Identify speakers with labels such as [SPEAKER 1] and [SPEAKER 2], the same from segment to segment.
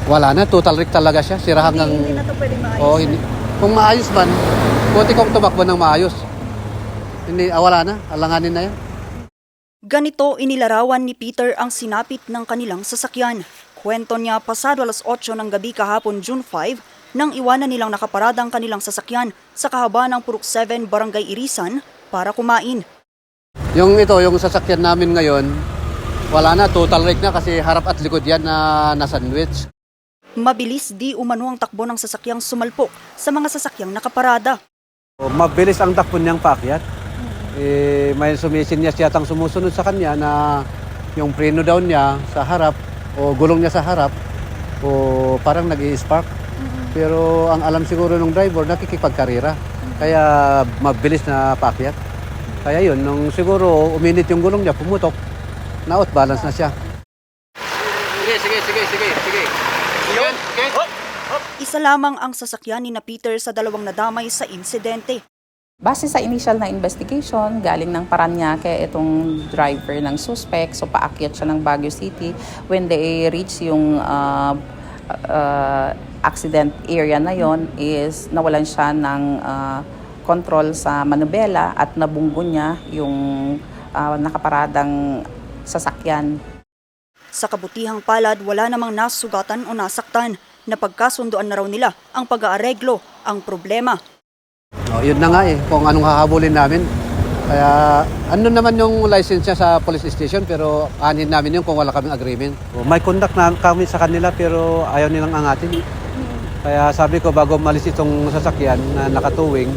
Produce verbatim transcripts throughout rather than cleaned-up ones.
[SPEAKER 1] Wala na, total wreck talaga siya. Sira hanggang...
[SPEAKER 2] Hindi, hindi na to pwede maayos.
[SPEAKER 1] Oo, hindi. Kung maayos man, buti kong tumakbo ng maayos. Hindi, ah, wala na, alanganin na yan.
[SPEAKER 2] Ganito inilarawan ni Peter ang sinapit ng kanilang sasakyan. Kwento niya pasado alas otso ng gabi kahapon June five nang iwanan nilang nakaparada ang kanilang sasakyan sa kahaba ng Purok seven Barangay Irisan para kumain.
[SPEAKER 1] Yung ito, yung sasakyan namin ngayon, wala na, total wreck na kasi harap at likod yan na na-sandwich.
[SPEAKER 2] Mabilis di umano ang takbo ng sasakyang sumalpok sa mga sasakyang nakaparada.
[SPEAKER 1] Mabilis ang takbo niyang paakyat. Eh, may sumisinyas yatang sumusunod sa kanya na yung preno down niya sa harap o gulong niya sa harap o parang nag-i-spark. Pero ang alam siguro ng driver, nakikipagkarira. Kaya mabilis na paakyat. Kaya yun, nung siguro uminit yung gulong niya, pumutok, na-out balance na siya. Sige, sige, sige, sige, sige. Okay.
[SPEAKER 2] Isa lamang ang sasakyan ni na Peter sa dalawang nadamay sa insidente.
[SPEAKER 3] Base sa initial na investigation, galing ng Paranaque itong driver ng suspect. So paakyat siya ng Baguio City. When they reach yung uh, uh, accident area na yon, is nawalan siya ng uh, control sa manubela at nabunggo niya yung uh, nakaparadang sasakyan.
[SPEAKER 2] Sa kabutihang palad, wala namang nasugatan o nasaktan. Napagkasunduan na raw nila ang pag-aareglo ang problema.
[SPEAKER 1] Oh, yun na nga eh, kung anong hahabulin namin. Kaya ano naman yung license niya sa police station pero anin namin yun kung wala kaming agreement. Oh, may contact na kami sa kanila pero ayaw nilang angatin. Kaya sabi ko bago malis itong sasakyan na nakatuwing,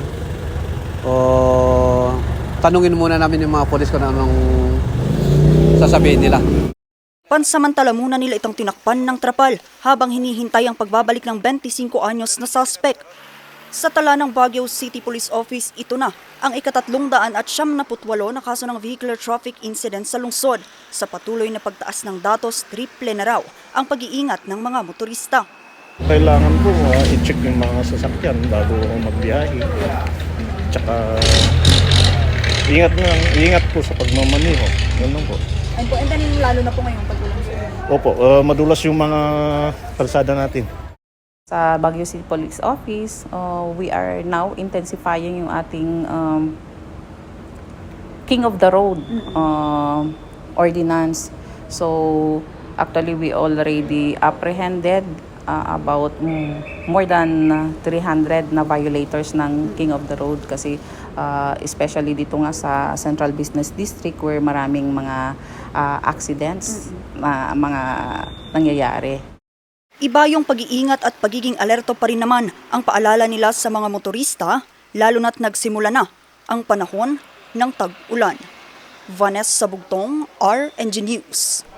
[SPEAKER 1] o tanungin muna namin yung mga polis kung anong sasabihin nila.
[SPEAKER 2] Pansamantala muna nila itong tinakpan ng trapal habang hinihintay ang pagbabalik ng twenty-five anyos na suspect. Sa tala ng Baguio City Police Office, ito na ang ikatatlong daan at siyam na putwalo na kaso ng vehicular traffic incident sa lungsod. Sa patuloy na pagtaas ng datos, triple na raw ang pag-iingat ng mga motorista.
[SPEAKER 4] Kailangan po uh, i-check yung mga sasakyan bago magbiyahe. Tsaka ingat na, ingat po sa pagmamaneho. Ganun po.
[SPEAKER 2] And, po, and then lalo na po ngayong pag-ulan sa
[SPEAKER 4] Opo, uh, madulas yung mga kalsada natin.
[SPEAKER 3] Sa Baguio City Police Office, uh, we are now intensifying yung ating um, King of the Road uh, ordinance. So actually we already apprehended uh, about mm, more than three hundred na violators ng King of the Road kasi uh, especially dito nga sa Central Business District where maraming mga uh, accidents na mga nangyayari.
[SPEAKER 2] Iba yung pag-iingat at pagiging alerto pa rin naman ang paalala nila sa mga motorista, lalo na't nagsimula na ang panahon ng tag-ulan. Vanessa Bugtong, R N G News.